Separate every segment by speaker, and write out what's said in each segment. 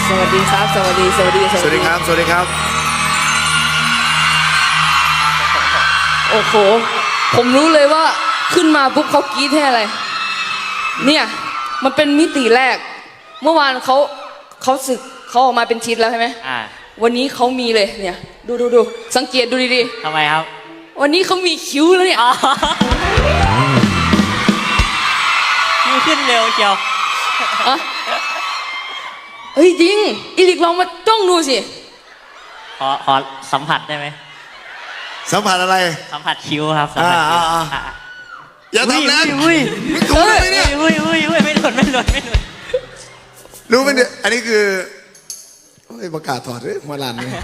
Speaker 1: สวัสดีครับสวัสดี
Speaker 2: ครับสวัสดีครับ
Speaker 1: โอ้โหผมรู้เลยว่าขึ้นมาปุ๊บเขากรี๊ดให้อะไรเนี่ยมันเป็นมิติแรกเมื่อวานเขาสึกเขาออกมาเป็นชิ้นแล้วใช่ไหมวันนี้เขามีเลยเนี่ยดูสังเกตดูดี
Speaker 3: ๆทำไมครับ
Speaker 1: วันนี้เขามีคิ้วแล้วเนี่ย
Speaker 3: คิ้วขึ้นเร็วเชียว
Speaker 1: เฮ้ยจริงอีลิกลองมาจ้องดูสิ
Speaker 3: ขอสัมผัสได้ไหม
Speaker 2: สัมผัสอะไร
Speaker 3: สัมผัสคิ้วครับสัมผัสคิ้ว
Speaker 2: อย่าทำนะ
Speaker 3: อุ้ย
Speaker 2: ถูกไหมเนี่ย
Speaker 3: อุ้ยไม่หล่น
Speaker 2: รู้ไหมเนี่ยอันนี้คือประกาศถอดเลยหัวลันเลย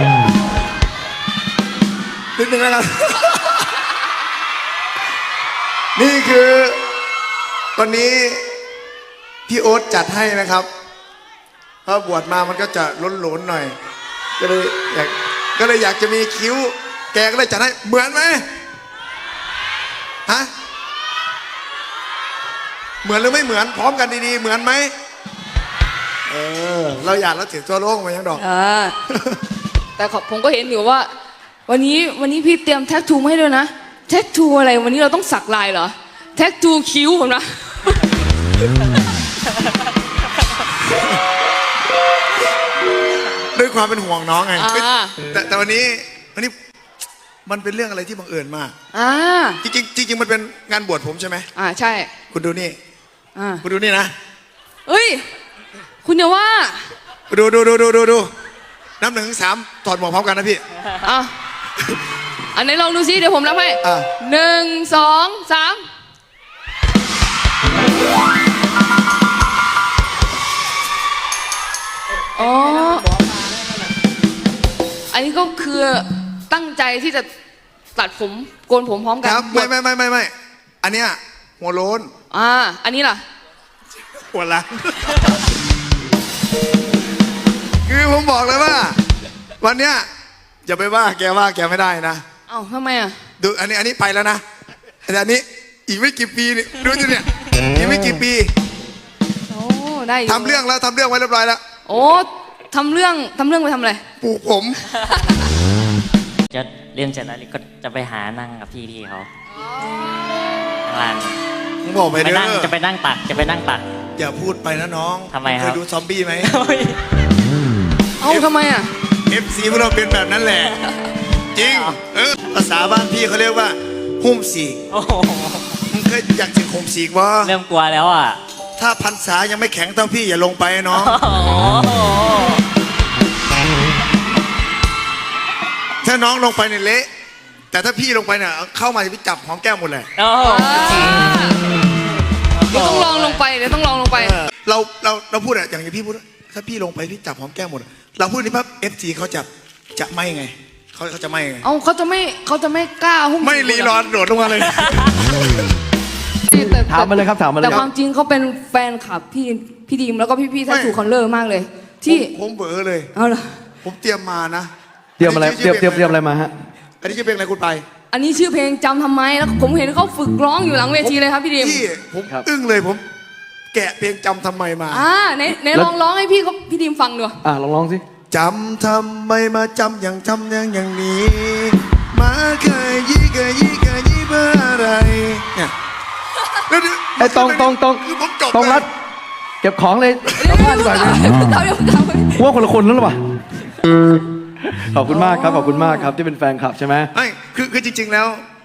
Speaker 2: นิดนึงนะครับนี่คือวันนี้พี่โอ๊ตจัดให้นะครับเพราะบวชมามันก็จะล้นๆหน่อยก็เลยอยากจะมีคิ้วแกก็เลยจัดให้เหมือนไหมฮะเหมือนหรือไม่เหมือนพร้อมกันดีๆเหมือนไหมเราอยากแล้วถือตัวโล่งมายังดอก
Speaker 1: แต่ผมก็เห็นอยู่ว่าวันนี้พี่เตรียมแท็กทูมาให้ด้วยนะแท็กทูอะไรวันนี้เราต้องสักลายเหรอแท็กทูคิ้วผมนะ
Speaker 2: ด้วยความเป็นห่วงน้องไงแต่วันนี้มันเป็นเรื่องอะไรที่บังเอิญมากจริงมันเป็นงานบวชผมใช่ไหม
Speaker 1: ใช่
Speaker 2: คุณดูนี่คุณดูนี่นะ
Speaker 1: เฮ้ยคุณอย่าว่า
Speaker 2: ดูนับ1-3ถอดหมวกพร้อมกันนะพี่
Speaker 1: อันไหนลองดูซิเดี๋ยวผมนับให้1 2 3อ๋ออันนี้ก็คือตั้งใจที่จะตัดผมโกนผมพร้อมกัน
Speaker 2: ครับไม่อันเนี้ยหัวโล้น
Speaker 1: อันนี้ล่ะ
Speaker 2: หัวล้านคือผมบอกเลยว่าวันเนี้ยอย่าไปว่าแกไม่ได้นะ
Speaker 1: ทำไม
Speaker 2: ดูอันนี้ไปแล้วนะแต่อันนี้อีกไม่กี่ปีนี่ดูสิเนี่ยอีกไม่กี่ปี
Speaker 1: ได้
Speaker 2: ทำเรื่องไว้เรียบร้อยแล้ว
Speaker 1: ทำเรื่องไปทำอะไร
Speaker 2: ปลูกผม
Speaker 3: จะเรียนเสร็จแล้วก็จะไปหานั่งกับพี่เขาข้างล่าง
Speaker 2: ผมบอกไปเด้อ
Speaker 3: จะไปนั่งตัก
Speaker 2: อย่าพูดไปนะน้อง
Speaker 3: ทำไมครับ
Speaker 2: เคยดูซอมบี้ไหม
Speaker 1: ทำไม
Speaker 2: FC พวกเราเป็นแบบนั้นแหละจริงภาษาบ้านพี่เขาเรียกว่าหุ่มสีกมึงเคยอยากถึงหุ่มสีกวะ
Speaker 3: เริ่มกลัวแล้ว
Speaker 2: ถ้าพรรษายังไม่แข็งเท่าพี่อย่าลงไปน้องถ้าน้องลงไปเนี่ยเละแต่ถ้าพี่ลงไปเนี่ยเข้ามาจะพี่จับหอมแก้มหมดเลย
Speaker 1: เดี๋ยวต้องลองลงไป
Speaker 2: เราพูดอย่างพี่พูดถ้าพี่ลงไปพี่จับหอมแก้มหมดเราพูดนี่ปั๊บ FC เขาจะไม่ไงเขาจะไม่ไง
Speaker 1: เขาจะไม่กล้าหุ้ม
Speaker 2: ไม่รีรอนโดดลงมาเลย
Speaker 4: ถามมาเลยครับ
Speaker 1: แต่ความจริงเขาเป็นแฟนคลับพี่ดีมแล้วก็พี่แท็กทูคอนเลอร์มากเลยที่
Speaker 2: ผมเบอเลยผมเตรียมมานะ
Speaker 4: เตรียมอะไรมาฮะ
Speaker 2: อันนี้ชื่อเพลงอะไรคุณไป
Speaker 1: อันนี้ชื่อเพลงจำทำไมแล้วผมเห็นเขาฝึกร้องอยู่หลังเวทีเลยครับพี่ดีม
Speaker 2: ผมอึ้งเลยผมแกะเพลงจำทำไมมา
Speaker 1: ไหนลองร้องให้พี่ดีมฟังดู
Speaker 4: ลองสิ
Speaker 2: จำทำไมมาจำอย่างนี้มาเคยยี่เพื่ออะไรเนี่ย
Speaker 4: ไอ้ตรงรัดเก็บของเลยกลับบ้านดีกว่าว่าคนละคนแล้วหรอวะขอบคุณมากครับที่เป็นแฟนคลับใช่ไหม
Speaker 2: ไม่คือจริงๆแล้ว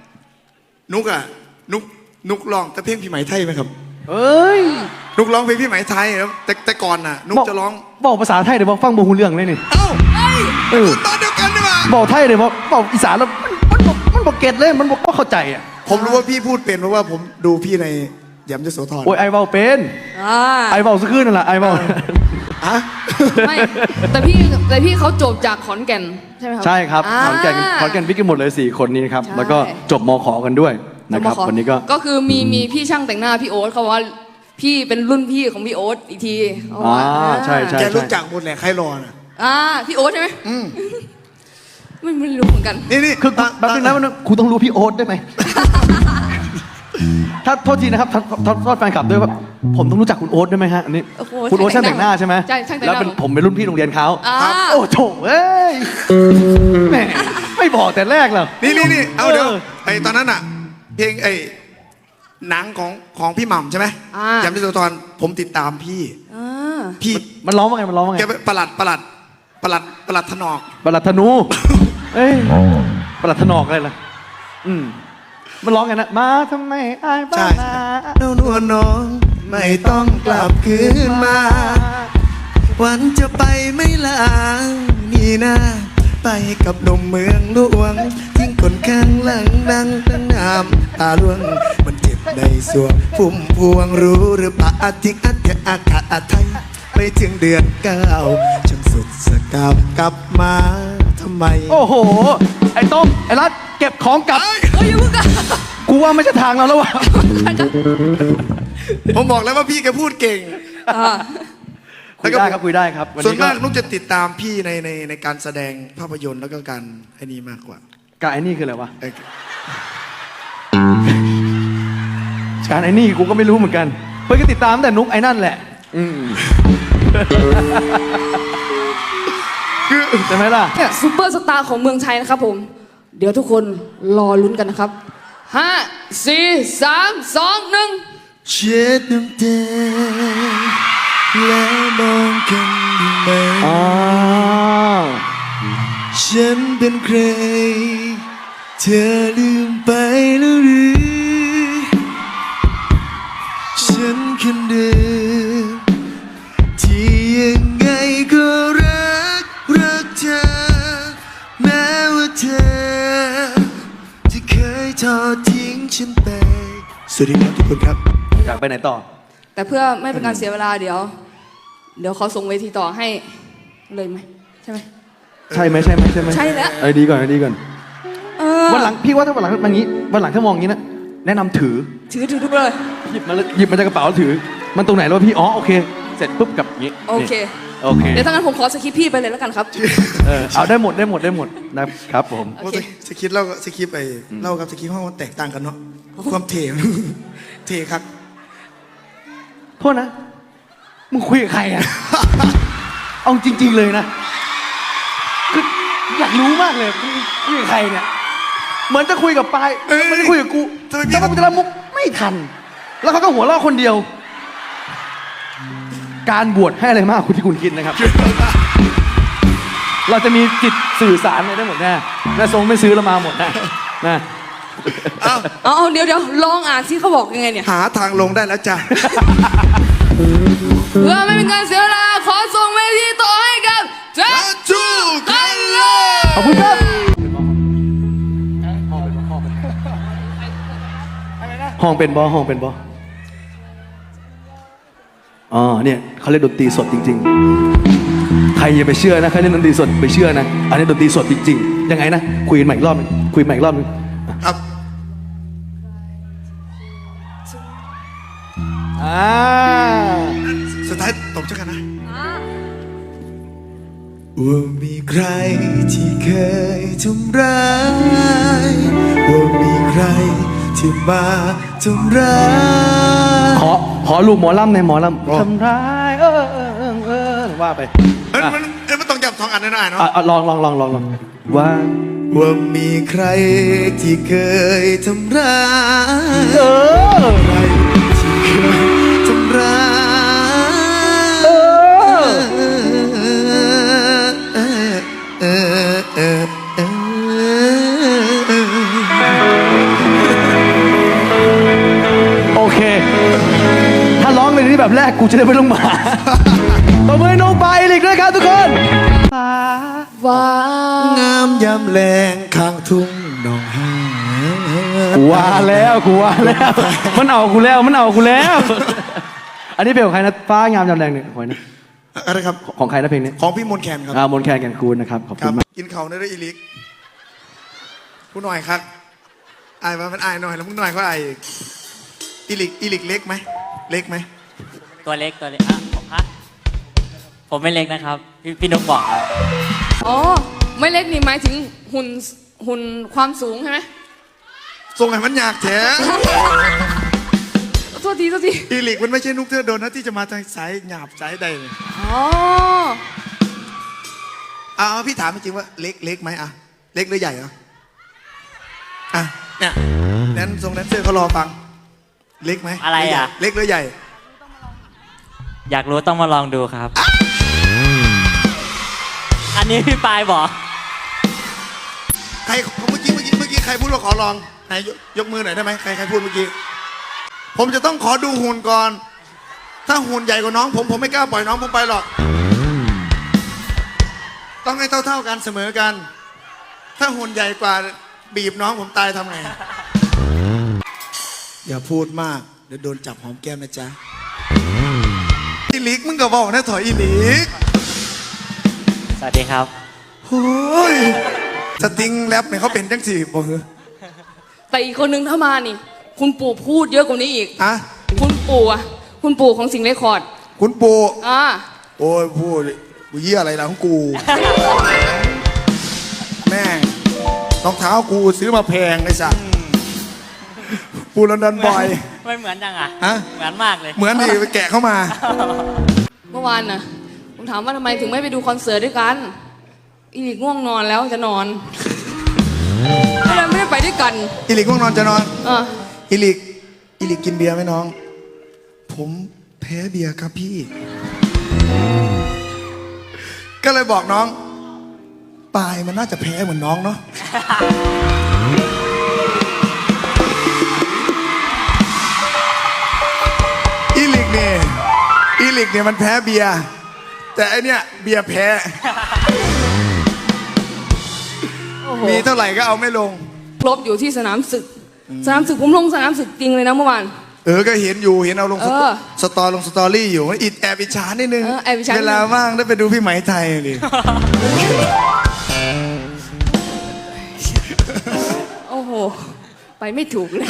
Speaker 2: นุกร้องแต่เพลงพี่ไหมไทยไหมครับนุกร้องเพลงพี่ไหมไทยแล้วแต่ก่อนน่ะนุกจะร้อง
Speaker 4: บอกภาษาไทยเดี๋ยวบอกฟังโมหูเรื่องเลยนี่
Speaker 2: ตอนเดียวกันนี่มา
Speaker 4: บอกไทยเดี๋ยวบอกอีสานแล้วมันบอกเก็ตเลยมันบอกเข้าใจ
Speaker 2: ผมรู้ว่าพี่พูดเป็นเพราะว่าผมดูพี่ในยำยโสธร
Speaker 4: ไอเบาเป็นไอเบาสักคืนนั่นแหละไอเบา
Speaker 1: ไม่แต่พี่เขาจบจากขอนแก่นใช่ไหมครับ
Speaker 4: ใช่ครับขอนแก่นพี่กันหมดเลย4 คนนี้ครับแล้วก็จบมข.กันด้วยนะครับวันนี้
Speaker 1: ก็คือมีพี่ช่างแต่งหน้าพี่โอ๊ตเขาว่าพี่เป็นรุ่นพี่ของพี่โอ๊ตอีกที
Speaker 4: ใช่
Speaker 2: แกรู้จักหมดแหละใครรอน่ะ
Speaker 1: พี่โอ๊ตใช่ไหมไม่รู้เหมือนกัน
Speaker 4: นี่คือแป๊บนึงนะครูต้องรู้พี่โอ๊ตได้ไหมถ้าโทษทีนะครับโทษแฟนคลับด้วยว่าผมต้องรู้จักคุณโอ๊ตด้วยไหมฮะอันนี้
Speaker 1: โอ้โห
Speaker 4: คุณโอ๊ตช่างแต่งหน้าใช่ไหม
Speaker 1: ใช่ช่างแต่งห
Speaker 4: แล้ว
Speaker 1: น้า
Speaker 4: ผมเป็นรุ่นพี่โรงเรียนเขา
Speaker 1: อ่า
Speaker 4: โอ้โถเอ้ยแหมไม่บอกแต่แรกเหรอ
Speaker 2: นี่เอาเดี๋ยว
Speaker 4: เออ
Speaker 2: ไอ้ตอนนั้นอ่ะ เพลงไอ้หนังของพี่หม่ำใช่ไหม
Speaker 1: อ่า
Speaker 2: จำได้ตัวตอนผมติดตามพี่
Speaker 1: อ่า
Speaker 2: พี่
Speaker 4: มันร้องว่าไงมันร้องว่าไง
Speaker 2: แกเป็นประหลัดถนอก
Speaker 4: ประหลัดธนู เอ้ยประหลัดถนอกอะไรล่ะมันร้องไงนะมาทำไมอายบ้า
Speaker 2: ใช่
Speaker 4: นา
Speaker 2: นวลน้องไม่ต้องกลับคืนมา วันจะไปไม่ลานี่นะไปกับหนุ่มเมืองหลวงทิ้งคนข้างหลังดังตั้งน้ำตาล่วง มันเจ็บในสวงพุ่มพวงรู้หรือเปล่าทิ้งอัดแค่อากาศไทยไม่ถึงเดือน9ฉันสุดสกาวกลับมาทำไม
Speaker 4: โอ้โห ไอ้ต้มไอ้รัดเก็บของกลับ
Speaker 1: เฮ้ยอย่าเพิ่งกัน
Speaker 4: กูว่าไม่ใช่ทางเราแล้ววะ
Speaker 2: ผมบอกแล้วว่าพี่แกพูดเก่ง
Speaker 4: คุยได้ครับคุยได้ครับ
Speaker 2: ส่วนมาก
Speaker 4: ก็
Speaker 2: นุกจะติดตามพี่ในการแสดงภาพยนตร์แล้วก็การไอ้นี่มากกว่า
Speaker 4: การไอ้นี่คืออะไรวะ
Speaker 2: ไอ้
Speaker 4: การไอ้นี่กูก็ไม่รู้เหมือนกัน เพื่อนก็ติดตามตั้งแต่นุกไอ้นั่นแหละใช่ไหมล่ะ
Speaker 1: ซูเปอร์สตาร์ของเมืองไทยนะครับผม เดี๋ยวทุกคนรอลุ้นกันนะครับ 5 4 3 2 1
Speaker 2: เช็ดน้ำตาแล้วมองกันดูไหม
Speaker 4: อ้าว
Speaker 2: ฉันเป็นใคร เธอลืมไปแล้วหรือ ฉันคนเดิมที่ยังไงก็รักเธอ แม้ว่าเธอจะเคยทอดทิ้งฉันไป สวัสดีครับทุกคนครับ
Speaker 4: อยากไปไหนต่อ
Speaker 1: แต่เพื่อไม่เป็นการเสียเวลาเดี๋ยวเขาส่งเวทีต่อให้เลยไหมใช่ไหม
Speaker 4: ใช่ไหมใช่ไหมใช่ไหม
Speaker 1: ใช่แล้ว
Speaker 4: ไอ้ดีก่อนไอ้ดีก่อน
Speaker 1: เออ
Speaker 4: วันหลังพี่ว่าถ้าวันหลังมันงี้วันหลังถ้ามองงี้นะแนะนำถือ
Speaker 1: ถือทุกเลย
Speaker 4: หยิบมาจากกระเป๋าแล้วถือ มันตรงไหนแล้วพี่อ๋อโอเค เสร็จปุ๊บกับอย่างงี้
Speaker 1: โอเค
Speaker 4: โอเค
Speaker 1: เดี๋ยวถ้างั้นผมขอสคริปต์พี่ไปเลยแล้วกันครับ
Speaker 4: เอาได้หมดนะครับผม
Speaker 1: โอเค
Speaker 2: สคริปต์เล่ากับสคริปต์เล่ากับสคริปต์ห้องมันแตกต่างกันเนาะความเท่ เท่ครับ
Speaker 4: โทษนะมึงคุยกับใครอ่ะ เอาจริง ๆเลยนะคืออยากรู้มากเลยมึงคุยกับใครเนี่ยเหมือนจะคุยกับปายเหมือนจะคุยกับกู
Speaker 2: ทำไมพี่
Speaker 4: แต่ว่ากูจะรับมุกไม่ทัน แล้วเขาก็หัวเราะคนเดียว การบวชให้อะไรมากคุณที่คุณคิดนะครับ เราจะมีจิตสื่อสารอะไรได้หมดแน่แม่ทรงไม่ซื้อแล้วมาหมดแน่นะ
Speaker 1: เอาเดี๋ยวลองอ่านซิเขาบอกยังไงเนี่ย
Speaker 2: หาทางลงได้แล้วจ้ะ
Speaker 1: เพื่อไม่เป็นการเสียเวลาขอส่งเวทีต่อให้กับแจ็ค
Speaker 2: จูคันเล
Speaker 4: ขอบคุณครับห้องเป็นบอห้องเป็นบออ๋อเนี่ยเขาเล่นดนตรีสดจริงๆ ใครอย่าไปเชื่อนะใครเล่นดนตรีสดไปเชื่อนะอันนี้ดนตรีสดจริงๆยังไงนะคุยกันใหม่อีกรอบนึงคุยใหม่อีกรอบนึง
Speaker 2: ครับ สุดท้ายตบเช่ากันนะว่ามีใครที่เคยทำร้ายว่ามีใครที่มาทำร้าย
Speaker 4: ขอลูกหมอลำในหมอลำทำร้ายว่าไป
Speaker 2: มันต้องจับสองอันแน่ๆเนาะ
Speaker 4: ลองว่า
Speaker 2: ว่ามีใครที่เคยทำร้าย ใครที่เคยทำร้าย
Speaker 4: โอเค ถ้าร้องในนี้แบบแรกกูจะได้ไม่ต้องมาตบมือให้น้องปายอีกด้วยครับทุกคน
Speaker 1: ว้าง
Speaker 2: ามยามแรงข้างทุ่งหนองหา
Speaker 4: กูว่าแล้วมันเอากูแล้ว อันนี้เพลงของใครนะฟ้างามยามแรงเนี่ยขอยนะ
Speaker 2: อะไรครับ
Speaker 4: ของใครนะเพลงนี้
Speaker 2: ของพี่มนต์แคนครับ
Speaker 4: มนต์แคนแก่นคูณนะครับขอบ
Speaker 2: ค
Speaker 4: คุ
Speaker 2: รั
Speaker 4: ณ
Speaker 2: บ
Speaker 4: มาก
Speaker 2: กินเขาในเรื่องอีลิกผู้หน่อยครับอายว่ามันอายหน่อยแล้วมึงหน่อยก็อายอีลิกเล็กไหมเล็กไหม
Speaker 3: ตัวเล็กอ่ะผมไม่เล็กนะครับ พี่นุ๊กบอกครับ
Speaker 1: อ๋อไม่เล็กนี่หมายถึงหุ่นความสูงใช่ไหม
Speaker 2: ส่งให้มันอยากแท้
Speaker 1: โทษทีโทษที
Speaker 2: อีลิกมันไม่ใช่นุกเทอโดนนะที่จะมาทางสายหยาบสายใดเลย
Speaker 1: อ๋อ
Speaker 2: เอาพี่ถามจริงๆว่าเล็กไหมอะเล็กหรือใหญ่อะอ่ะเนี่ยแดนทรงแดนเซอร์เขารอฟังเล็กไหม
Speaker 3: อะไรอ่ะ
Speaker 2: เล็กหรือใหญ่
Speaker 3: อยากรู้ต้องมาลองดูครับ อันนี้พี่ปายบอก
Speaker 2: ใครเมื่อกี้ใครพูดว่าขอลองไหนยกมือหน่อยได้ไหมใครพูดเมื่อกี้ผมจะต้องขอดูหุ่นก่อน ถ้าหุ่นใหญ่กว่าน้องผมไม่กล้าปล่อยน้องผมไปหรอก ต้องให้เท่ากันเสมอกัน ถ้าหุ่นใหญ่กว่าบีบน้องผมตายทำไง อย่าพูดมากเดี๋ยวโดนจับหอมแก้มนะจ๊ะอีลิกมึงก็บอกนะถอยอีลิก
Speaker 3: สวัสดีครับ
Speaker 2: โอ้ยสติงแรปเนี่ยเขาเป็นจังสี่บอกเหรอ
Speaker 1: แต่อีกคนนึงถ้ามานี่ คุณปู่พูดเยอะกว่านี้อีก
Speaker 2: อะ
Speaker 1: คุณปู่อะคุณปู่ของสิงห์เรคคอร์ด
Speaker 2: คุณปู่
Speaker 1: อ่า
Speaker 2: โอ้ยพูดกูเยี่ยอะไรล่ะของกู แม่รองเท้ากูซื้อมาแพงไอ้สัสปูลอนดอนบอย
Speaker 3: ไม่เหมือนจังอ่ะ
Speaker 2: ฮะ
Speaker 3: เหมือนมากเลย
Speaker 2: เหมือนดิไปแกะเข้ามา
Speaker 1: เมื่อวานน่ะ ผมถามว่าทำไมถึงไม่ไปดูคอนเสิร์ตด้วยกัน อีลิกง่วงนอนแล้วจะนอนก็เลยไม่ได้ไปด้วยกัน
Speaker 2: อีลิกง่วงนอนจะนอน
Speaker 1: อ่า
Speaker 2: อีลิกกินเบียร์ไหมน้อง ผมแพ้เบียร์ครับพี่ ก็เลยบอกน้องปายมันน่าจะแพ้เหมือนน้องเนาะ อีลิกเนี่ยมันแพ้เบียร์แต่อันเนี้ยเบียร์แพ้
Speaker 1: โอ้โห
Speaker 2: มีเท่าไหร่ก็เอาไม่ลง
Speaker 1: ครบอยู่ที่สนามศึก สนามศึกผมลงสนามศึกจริงเลยนะเมื่อวาน
Speaker 2: ก็เห็นเอาลง
Speaker 1: เออ
Speaker 2: สตอรี่อยู่แอบอิจฉานิดนึง
Speaker 1: แอบอิจฉานิดนึง
Speaker 2: เวลาว่างได้ไปดูพี่ไหมไทยดิ
Speaker 1: โอ้โห ไปไม่ถูกเลย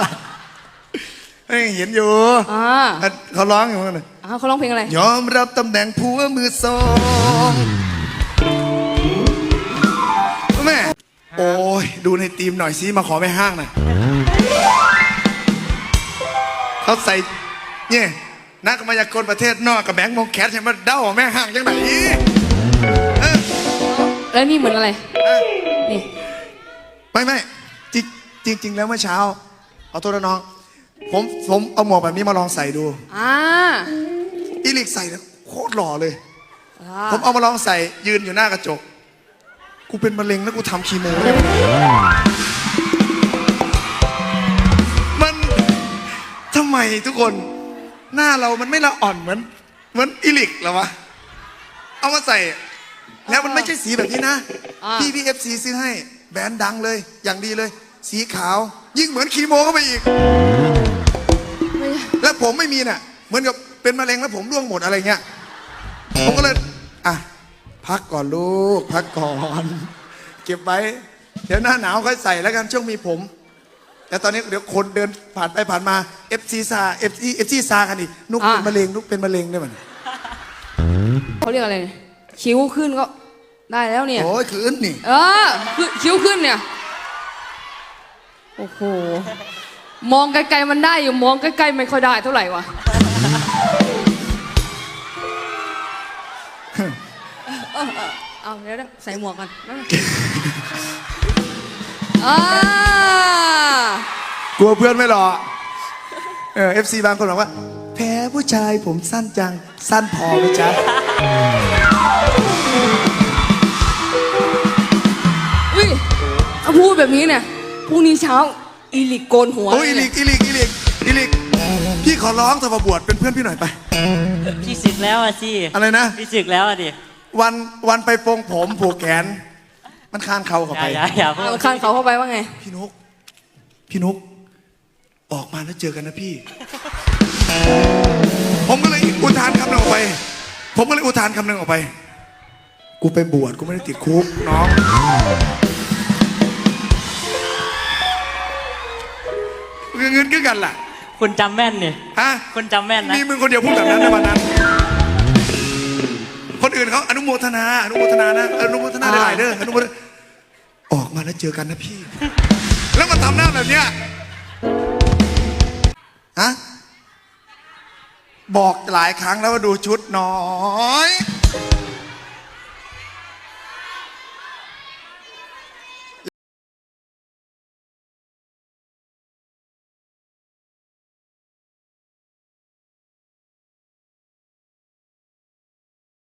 Speaker 2: เห็นอยู่
Speaker 1: อ่า
Speaker 2: เขาร้องอยู่นั่นน่ะ
Speaker 1: เขาร้องเพลงอะไร
Speaker 2: ยอมรับตำแหน่งผัวมือสองแม่โอ้ยดูในทีมหน่อยสิมาขอไม่ห้างหน่อยเขาใส่เนี่ยนักมายากลประเทศนอกกับแบงค์มงแคทใช่ไหมเด้าแม่ห้างจังไหนเออ
Speaker 1: แล้วนี่เหมือนอะไร นี่
Speaker 2: ไม่จริง แล้วเมื่อเช้าเอาโทษนะน้องผมเอาหมวกแบบนี้มาลองใส่ดู
Speaker 1: อ่า
Speaker 2: อีลิกใส่แล้วโคตรหล่อเลย ผมเอามาลองใส่ยืนอยู่หน้ากระจก กูเป็นมะเร็งแล้วกูทำคีโมได้ไหมมันทำไมทุกคนหน้าเรามันไม่ละอ่อนเหมือนอีลิกเหรอวะ เอามาใส่ แล้วมันไม่ใช่สีแบบนี้นะ
Speaker 1: อ่า
Speaker 2: พี่เอฟซีซื้อให้แบรนด์ดังเลยอย่างดีเลย สีขาว ยิ่งเหมือนคีโมเข้าไปอีก แล้วผมไม่มีน่ะ เหมือนกับเป็นมะเร็งแล้วผมร่วงหมดอะไรเงี้ย ผมก็เลยอ่ะพักก่อนลูก พักก่อน เก็บไว้ เดี๋ยวหน้าหนาวค่อยใส่แล้วกันช่วงมีผม แต่ตอนนี้เดี๋ยวคนเดินผ่านไปผ่านมา FC ซากันอีกนุกเป็นมะเร็งนุกเป็นมะเร็งได้มั้ย
Speaker 1: เขาเรียกอะไรเนี่ยคิ้วขึ้นก็ได้แล้วเนี่ย
Speaker 2: โอ้ยคืนนี่
Speaker 1: คิ้วขึ้นเนี่ย โอ้โห มองไกลๆมันได้อยู่ มองใกล้ๆไม่ค่อยได้เท่าไหร่วะ เอาเดี๋ยวใส่หมวกกันอ่าก
Speaker 2: ลัวเพื่อนไม่หรอFC บางคนบอกว่า แพ้ผู้ชายผมสั้นจัง สั้นพอไหมจ๊ะ
Speaker 1: อุ้ยถ้าพูดแบบนี้เนี่ยพรุ่งนี้เช้าอีลิกโกนหัว
Speaker 2: โอ้ยอี
Speaker 1: เล
Speaker 2: ลิ
Speaker 1: ย
Speaker 2: กพี่ขอร้องเธอมาบวชเป็นเพื่อนพี่หน่อยไป
Speaker 3: พี่ศึกแล้วอ่ะสิ
Speaker 2: อะไรนะ
Speaker 3: พี่ศึกแล้วอ่ะดิ
Speaker 2: วันไปปรงผมผูกแขน มันคานเข่าเข้าไป
Speaker 3: อย่าพูด
Speaker 1: เอาคันเขาเข้าไปว่าไง
Speaker 2: พี่นุกออกมาแล้วเจอกันนะพี่ ผมก็เลยอุทานคำหนึ่งออกไป กูไปบวชกูไม่ได้ติดคุกน้องเงินคือกันล่ะ
Speaker 3: คุณจำแม่นนี่
Speaker 2: ฮะ
Speaker 3: คุณจำแม่นนะ
Speaker 2: มีมึงคนเดียวพูดแบบนั้นในวันนั้น คนอื่นเขาอนุโมทนานะอนุโมทนาได้หลายเด้อออกมาแล้วเจอกันนะพี่ แล้วมาทำหน้าแบบเนี้ยฮะบอกหลายครั้งแล้วว่าดูชุดน้อย